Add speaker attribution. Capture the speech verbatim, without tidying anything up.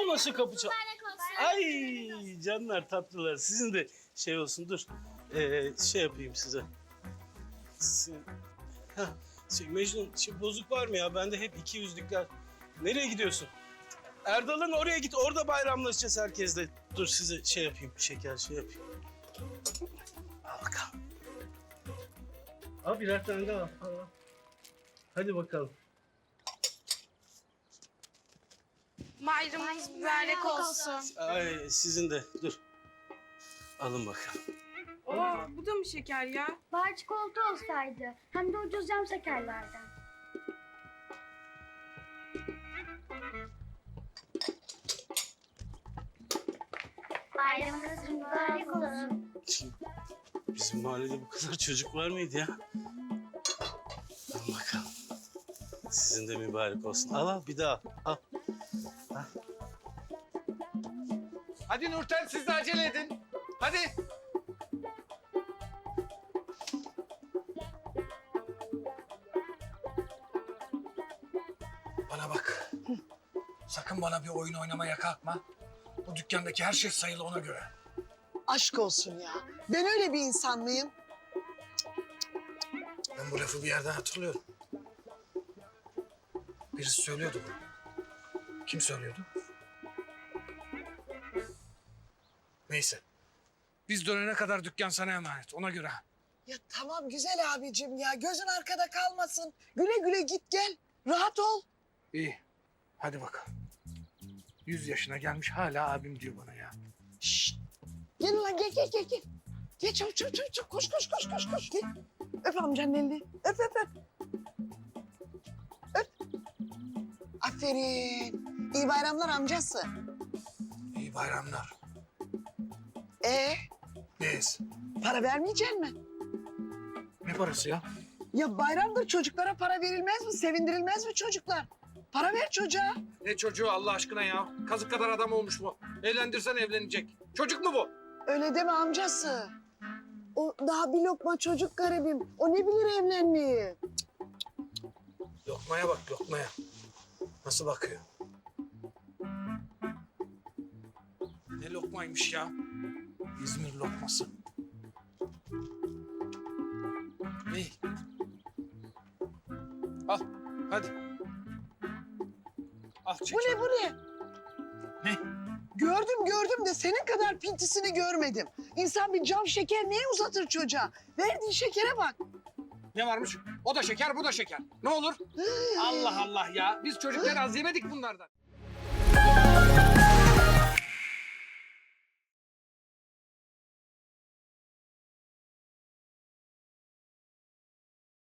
Speaker 1: olmasın kapı çal. Ay canlar tatlılar. Sizin de şey olsun dur. Ee, şey yapayım size. Sizin... Heh, şey, Mecnun şey, bozuk var mı ya? Bende hep iki yüzlükler. Nereye gidiyorsun? Erdal'ın oraya git. Orada bayramlaşacağız herkesle. Dur size şey yapayım. Şeker şey yapayım. Al bakalım. Al birer tane daha al. al. Hadi bakalım.
Speaker 2: Bayramınız mübarek olsun.
Speaker 1: Ay sizin de dur. Alın bakalım.
Speaker 2: Aa, bu da mı şeker ya?
Speaker 3: Bari çikolata olsaydı. Hem de ucuz cam şekerlerden. Bayramınız mübarek olsun.
Speaker 1: Bizim mahallede bu kadar çocuk var mıydı ya? Al bakalım. Sizin de mübarek olsun. Al al bir daha al. al.
Speaker 4: Hadi Nurten siz de acele edin. Hadi. Bana bak. Sakın bana bir oyun oynamaya kalkma. Bu dükkandaki her şey sayılı ona göre.
Speaker 5: Aşk olsun ya. Ben öyle bir insan mıyım?
Speaker 4: Ben bu lafı bir yerden hatırlıyorum. Birisi söylüyordu bunu. Kim söylüyordu? Neyse. Biz dönene kadar dükkan sana emanet. Ona göre.
Speaker 5: Ya tamam güzel abicim ya. Gözün arkada kalmasın. Güle güle git gel. Rahat ol.
Speaker 4: İyi. Hadi bakalım. Yüz yaşına gelmiş hala abim diyor bana ya.
Speaker 5: Şşt. Gel ulan gel gel gel. gel. Gel çabuk çabuk çabuk. çabuk. Koş koş koş koş koş. Gel. Öp amcanın elini. Öp öp öp. Öp. Aferin. İyi bayramlar amcası.
Speaker 4: İyi bayramlar.
Speaker 5: Ee,
Speaker 4: Neyiz?
Speaker 5: para vermeyecek mi?
Speaker 4: Ne parası ya?
Speaker 5: Ya bayramdır çocuklara para verilmez mi? Sevindirilmez mi çocuklar? Para ver çocuğa.
Speaker 4: Ne çocuğu Allah aşkına ya? Kazık kadar adam olmuş bu. Evlendirsen evlenecek. Çocuk mu bu?
Speaker 5: Öyle deme amcası. O daha bir lokma çocuk garibim. O ne bilir evlenmeyi?
Speaker 4: Lokmaya bak lokmaya. Nasıl bakıyor? Ne lokmaymış ya? İzmir lokması. İyi. Al hadi. Al çek.
Speaker 5: Bu ne bu ne?
Speaker 4: Ne?
Speaker 5: Gördüm gördüm de senin kadar pintisini görmedim. İnsan bir cam şeker niye uzatır çocuğa? Verdiğin şekere bak.
Speaker 4: Ne varmış? O da şeker bu da şeker. Ne olur? Allah Allah ya. Biz çocukken az yemedik bunlardan.